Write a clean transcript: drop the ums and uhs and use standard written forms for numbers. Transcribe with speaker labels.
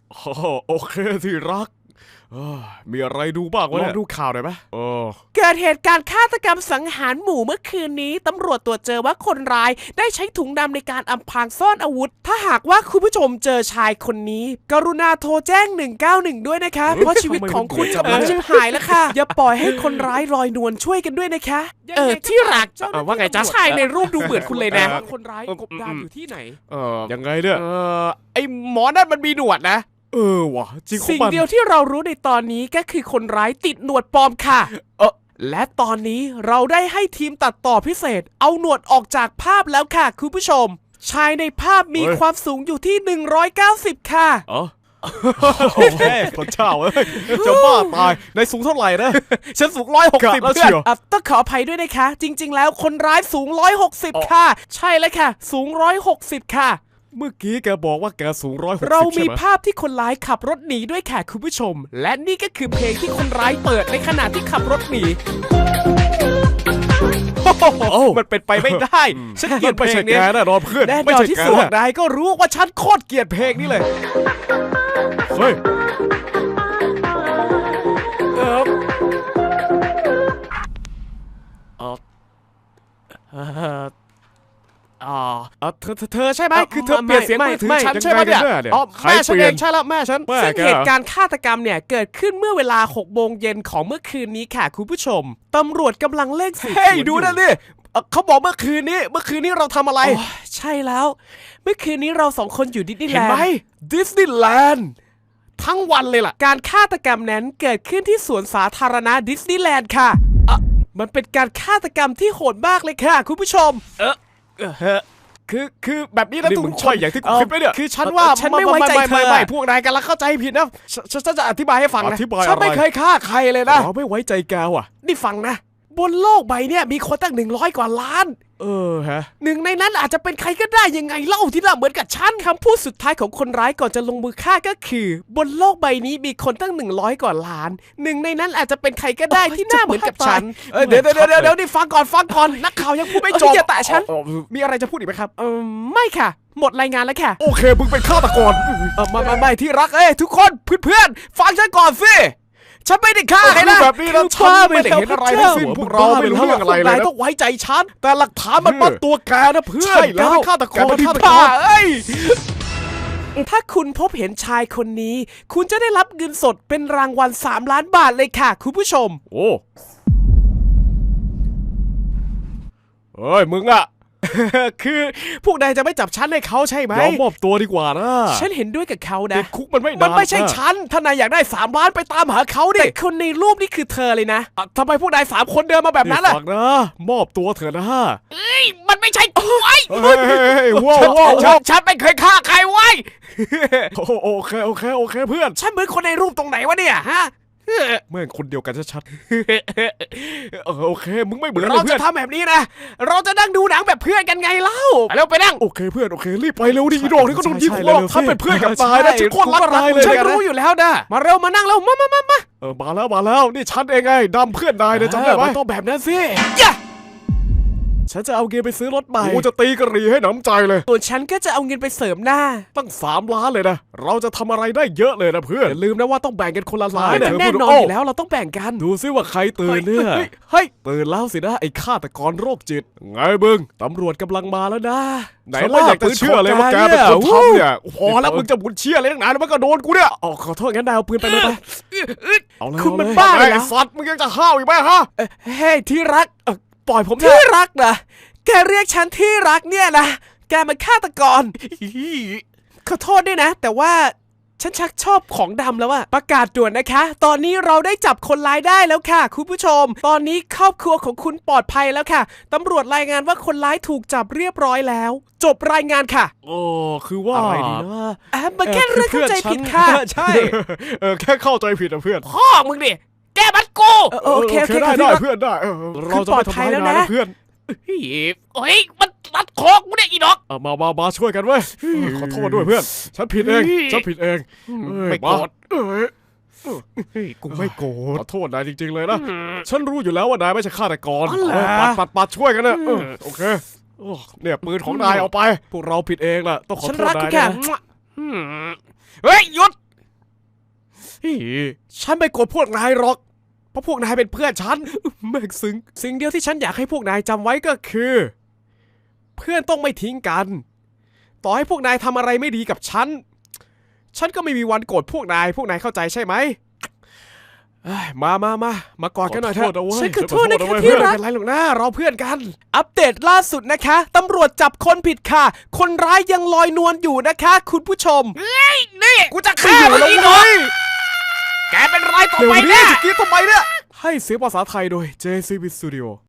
Speaker 1: โอเคที่รักมีอะไรดูบ้างวะเนี่ยลองดูข่าวหน่อยไหม
Speaker 2: เกิดเหตุการณ์ฆาตกรรมสังหารหมู่เมื่อคืนนี้ตำรวจตรวจเจอว่าคนร้ายได้ใช้ถุงดำในการอำพรางซ่อนอาวุธถ้าหากว่าคุณผู้ชมเจอชายคนนี้กรุณาโทรแจ้ง191ด้วยนะคะเพราะชีวิตของคุณกำลังจะหายแล้วค่ะอย่าปล่อยให้คนร้ายลอยนวลช่วยกันด้วยนะคะที่รักว่าไงจ๊ะชายในรูปดูเหมือนคุณเลยนะคนร้ายกบดานอยู่ที่ไหน
Speaker 1: ยังไงเนี่ย
Speaker 2: ไอหมอนั่นมันมีหนวดนะ
Speaker 1: ว่ะจริงของมัน
Speaker 2: สิ่งเดียวที่เรารู้ในตอนนี้ก็คือคนร้ายติดหนวดปลอมค่ะและตอนนี้เราได้ให้ทีมตัดต่อพิเศษเอาหนวดออกจากภาพแล้วค่ะคุณผู้ชมชายในภาพมีความสูงอยู่ที่190ค่ะ
Speaker 1: โอ้โหพระเจ้าจะบ้าตายในสูงเท่าไหร่นะฉันสูง160แล้วเชียว
Speaker 2: ต้องขออภัยด้วยนะคะจริงๆแล้วคนร้ายสูง160ค่ะใช่แล้วค่ะสูง160ค่ะ
Speaker 1: เมื่อกี้แกบอกว่าแกสูง160
Speaker 2: เรามีภาพที่คนร้ายขับรถหนีด้วยค่ะคุณผู้ชมและนี่ก็คือเพลงที่คนร้ายเปิดในขณะที่ขับรถหนีมันเป็นไปไม่ได้ฉันเกลียดเพลงนี้
Speaker 1: แน่นอนเพื่อน
Speaker 2: แน่นอนที่สุดนายก็รู้ว่าฉันโคตรเกลียดเพลงนี้เลย
Speaker 1: เฮ้ย
Speaker 2: เธอใช่ไหมคือเธอเปลี่ยนเสียงมือถือฉันใช่ไหมเนี่ยแม่ฉันเองใช่แล้วแม่ฉันซึ่งเหตุการณ์ฆาตกรรมเนี่ยเกิดขึ้นเมื่อเวลา6 โมงเย็นของเมื่อคืนนี้ค่ะคุณผู้ชมตำรวจกำลังเร่งสืบสวน
Speaker 1: ดูนั่นดิเขาบอกเมื่อคืนนี้เราทำอะไร
Speaker 2: ใช่แล้วเมื่อคืนนี้เรา2 คนอยู่ดิสนีย์แลนด์
Speaker 1: เห็นไหมดิสนีย์แลนด์
Speaker 2: ทั้งวันเลยล่ะการฆาตกรรมนั้นเกิดขึ้นที่สวนสาธารณะดิสนีย์แลนด์ค่ะมันเป็นการฆาตกรรมที่โหดมากเลยค่ะคุณผู้ชม
Speaker 1: คือแบบนี้นะทุกคนอย่างที่กูคิดไปเนี่ย
Speaker 2: คือฉันว่าฉันไม่ไว้ใจเธอ
Speaker 1: พวกนายกันแล้วเข้าใจผิดนะฉันจะอธิบายให้ฟังนะ
Speaker 2: ฉันไม่เคยฆ่าใครเลยนะ
Speaker 1: ไม่ไว้ใจแกว่ะ
Speaker 2: นี่ฟังนะบนโลกใบนี้มีคนตั้ง100 กว่าล้าน
Speaker 1: ฮะ
Speaker 2: หนึ่งในนั้นอาจจะเป็นใครก็ได้ยังไงเล่าที่น่าเหมือนกับฉันคำพูดสุดท้ายของคนร้ายก่อนจะลงมือฆ่าก็คือบนโลกใบนี้มีคนตั้ง100 กว่าล้านหนึ่งในนั้นอาจจะเป็นใครก็ได้ที่น่าเหมือนกับฉันเดี๋ยวนี่ฟังก่อนนักข่าวยังพูดไม่จบอย่าแตะฉัน
Speaker 1: มีอะไรจะพูดอีกไหมครับ
Speaker 2: ไม่ค่ะหมดรายงานแล้วค่ะ
Speaker 1: โอเคมึงเป็นฆาตกร
Speaker 2: ไม่ที่รักทุกคนเพื่อนฟังฉันก่อนสิฉันไม่ได้ฆ่าใครนะ
Speaker 1: แบบนี้นะฉันไม่ได้เห็นอะไรทั้งสิ้นพวกเราไม่รู้เรื่องอะไรเลย
Speaker 2: ต้องไว้ใจฉันแต่หลักฐานมันมัดตัวแกนะเพื่อน
Speaker 1: ใช่แล้วฆาตกร
Speaker 2: ถ้าคุณพบเห็นชายคนนี้คุณจะได้รับเงินสดเป็นรางวัล3 ล้านบาทเลยค่ะคุณผู้ชม
Speaker 1: โอ้เฮ้ยมึงอะ
Speaker 2: คือพวกนายจะไม่จับฉันให้เขาใช่ไหม
Speaker 1: ยอมมอบตัวดีกว่านะ
Speaker 2: ฉันเห็นด้วยกับเขานะ
Speaker 1: คุกมัน
Speaker 2: ไม่ใช่ฉันถ้านายอยากได้3 ล้านไปตามหาเขาดิแต่คนในรูปนี่คือเธอเลยนะทำไมพวกนาย3 คนเดินมาแบบนั้นล่ะ
Speaker 1: ฟังนะมอบตัวเถอะนะ
Speaker 2: มันไม่ใช่กูไอ้
Speaker 1: ว้าว
Speaker 2: ฉันไม่เคยฆ่าใครไว้
Speaker 1: โอเคเพื่อน
Speaker 2: ฉันเหมือนคนในรูปตรงไหนวะเนี่ยฮะ
Speaker 1: แม่งคนเดียวกันชัดๆโอเคมึงไม่เหมือน
Speaker 2: เราจะทำแบบนี้นะเราจะนั่งดูหนังแบบเพื่อนกันไงเล่าแล้วไปนั่ง
Speaker 1: โอเคเพื่อนโอเครีบไปเร็วดิดอกนี่ก็โดนยิงหัวถ้าเป็นเพื่อนกันตายนะฉันโคตรรักนายเลย
Speaker 2: ฉันรู้อยู่แล้วนะมาเร็วมานั่งเร็วมา
Speaker 1: มาแล้วนี่ฉันเองไงดำเพื่อนนายนะจำได้ไหม
Speaker 2: ต้องแบบนั้นสิ
Speaker 1: ฉันจะเอาเงินไปซื้อรถใหม่กูจะตีกระหรี่ให้หนำใจเลย
Speaker 2: ส่วนฉันก็จะเอาเงินไปเสริมหน้า
Speaker 1: ตั้ง3 ล้านเลยนะเราจะทำอะไรได้เยอะเลยนะเพื่อน
Speaker 2: อย่าลืมนะว่าต้องแบ่งกันคนละล้านแน่นอนอยู่แล้วเราต้องแบ่งกัน
Speaker 1: ดูซิว่าใครตื่นเนี่ย
Speaker 2: เฮ้ย
Speaker 1: ตื่นแล้วสินะไอ้ฆาตกรโรคจิตไงบึงตำรวจกำลังมาแล้วนะไหนล่ะอยากจะเชื่อเลยว่าแกเป็นคนทำเนี่ยพอแล้วมึงจะบุญเชื่ออะไรตั้งนานแล้วมันก็โดนกูเนี่ย
Speaker 2: ขอโทษงั้นนายเอาปืนไปเลยไป
Speaker 1: คุณมันบ้าเลยสัตว์มึงยังจะห้าวอีกไหมฮะ
Speaker 2: เฮ้ยที่รักปล่อยผมที่รักนะแกเรียกฉันที่รักเนี่ยนะแกมันฆาตกรขอโทษด้วยนะแต่ว่าฉันชักชอบของดำแล้วอะประกาศด่วนนะคะตอนนี้เราได้จับคนร้ายได้แล้วค่ะคุณผู้ชมตอนนี้ครอบครัวของคุณปลอดภัยแล้วค่ะตำรวจรายงานว่าคนร้ายถูกจับเรียบร้อยแล้วจบรายงานค่ะ
Speaker 1: คือว่า
Speaker 2: อะไรดีนะมันแค่เรื่องเข้าใจผิดค่ะ
Speaker 1: ใช่แค่เข้าใจผิดนะเพื่อน
Speaker 2: พ่อมึงดิแกมันกูโอเค
Speaker 1: ได้เพื่อนได้เราจะไม่ทำร้ายนายนะเพื่อน
Speaker 2: เฮ้ยมันรัดคอกูเนี่ยอีดอก
Speaker 1: มาช่วยกันเว้ยขอโทษด้วยเพื่อนฉันผิดเอง
Speaker 2: ไม่โกรธ
Speaker 1: กูไม่โกรธขอโทษนายจริงๆเลยนะฉันรู้อยู่แล้วว่านายไม่ใช่ฆาตกรปัดช่วยกันนะโอเคเนี่ยปืนของนายเอาไปพวกเราผิดเองล่ะต้องขอโทษนายนะ
Speaker 2: เฮ้ยหยุด
Speaker 1: ฉันไม่โกรธพวกนายหรอกเพราะพวกนายเป็นเพื่อนฉันแม่งซึ้งสิ่งเดียวที่ฉันอยากให้พวกนายจำไว้ก็คือ เพื่อนต้องไม่ทิ้งกันต่อให้พวกนายทำอะไรไม่ดีกับฉันก็ไม่มีวันโกรธพวกนายเข้าใจใช่ไหมมากอดกันหน่อยเถอะ
Speaker 2: ฉันขอโทษนะคะที่รัก
Speaker 1: ไม่เป็นไรหรอกนะเราเพื่อนกัน
Speaker 2: อัปเดตล่าสุดนะคะตำรวจจับคนผิดค่ะ คนร้ายยังลอยนวลอยู่นะคะ คุณผู้ชมนี่กูจะฆ่ามึงอีกเหรอแกเป็นไรต่อ
Speaker 1: เดี๋ยว
Speaker 2: ไป
Speaker 1: นี้
Speaker 2: เนี่ย
Speaker 1: จะกรี๊ดทำไมเนี่ยให้เสียงภาษาไทยโดย JCB Studio